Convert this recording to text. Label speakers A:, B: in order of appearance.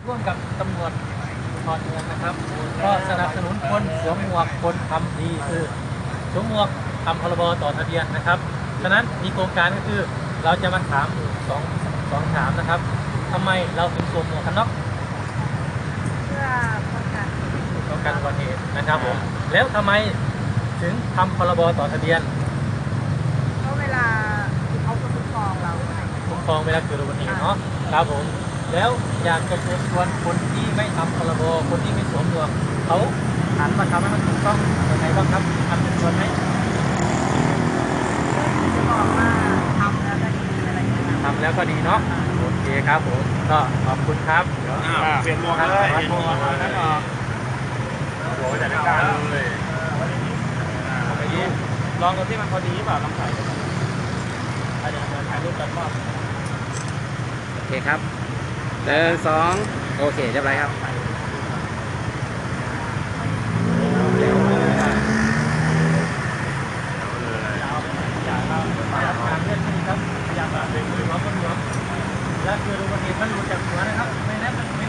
A: ร่วมกับตำรวจภูธรเมืองนะครับก็สนับสนุนคนสวมหมวกคนทำดีคือสวมหมวกทำพรบต่อทะเบียนนะครับฉะนั้นมีโครงการก็คือเราจะมาถามสองถามนะครับทำไมเราถึงสวมหมวกกันน็อก
B: เพื่อป้องกัน
A: อุบัติเหตุนะครับผมแล้วทำไมถึงทำพรบต่อทะเบียน
B: เพราะเวลาเขาก็คุ้มครองเรา
A: คุ้มครองเวลาเกิดอุบัติเหตุเนาะครับผมแล้วอยากจะเชิญชวนคนที่ไม่ทำพรบคนที่ไม่สวมหมวกเขาหันมาทำให้มันถูกต้องยังไงบ้างครับทำเป็นชวนไหม
B: จะบอกว่าทำแล้วก็ดีอะไรอย่างเงี้ย
A: ทำแล้วก็ดีเนาะโอเคครับผมก็ขอบคุณครับเดี๋ยว
C: เปลี่ยนหมวกเลยเปลี่ยนหมวกเลยแล้วก็หัวไปจัดการเลยลองดูที่มันพอดีเปล่าลองถ่ายดูเดี๋ยวถ่ายรูปกันว่า
D: โอเคครับ1 2โอเคเรียบร้อยครับ
A: และคืออุบัติเหตุมันหลุดจากหัวนะครับไม่นั้นมัน